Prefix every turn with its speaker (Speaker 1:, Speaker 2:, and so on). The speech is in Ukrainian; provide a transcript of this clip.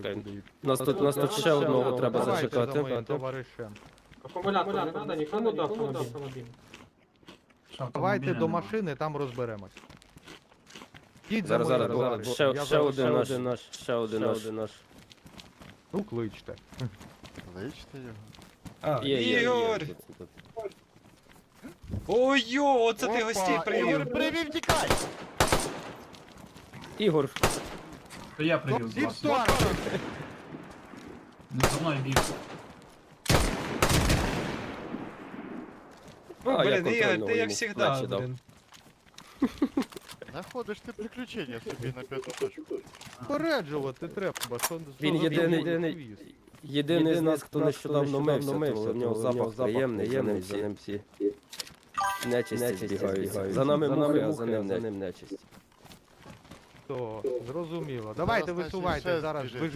Speaker 1: Чекай.
Speaker 2: буде.
Speaker 1: Нас тут ще одного треба
Speaker 2: Давайте за
Speaker 1: зачекати.
Speaker 2: моїм товаришем.
Speaker 3: Акумулятор не треба, нікому до автомобіля.
Speaker 2: Давайте до машини, там розберемось. Їдь за
Speaker 1: Зараз,
Speaker 2: мною,
Speaker 1: зараз,
Speaker 2: бо
Speaker 1: ще
Speaker 2: я
Speaker 1: один наш, ще один наш.
Speaker 2: Ну, кличте.
Speaker 4: Личте його.
Speaker 1: Є.
Speaker 5: Ігор!
Speaker 1: Тут.
Speaker 5: Ой-йо, оце ти
Speaker 2: Опа,
Speaker 5: гостей привів.
Speaker 2: Ігор, привів, тікай!
Speaker 1: Ігор,
Speaker 6: То я привів
Speaker 2: Всі в
Speaker 6: вас.
Speaker 2: сторону!
Speaker 6: Не за мною біг.
Speaker 1: А, я
Speaker 5: Блін, Ігор,
Speaker 1: контрольного
Speaker 5: ти як
Speaker 1: йому
Speaker 5: завжди,
Speaker 1: плечі дав.
Speaker 5: блін.
Speaker 4: Знаходиш ти приключення собі на п'яту точку.
Speaker 2: Попереджувати треба, що
Speaker 1: Він
Speaker 2: що за
Speaker 1: єдиний-
Speaker 2: хвіст?
Speaker 1: Єдиний з нас, хто нещодавно мився, в нього запах приємний, за ним всі нечисті збігаються. За нами мухи, а за ним нечисть.
Speaker 2: То, зрозуміло. Давайте
Speaker 4: Зараз, значить,
Speaker 2: висувайте
Speaker 4: ще
Speaker 2: зараз.
Speaker 4: збіжить.
Speaker 2: Ви ж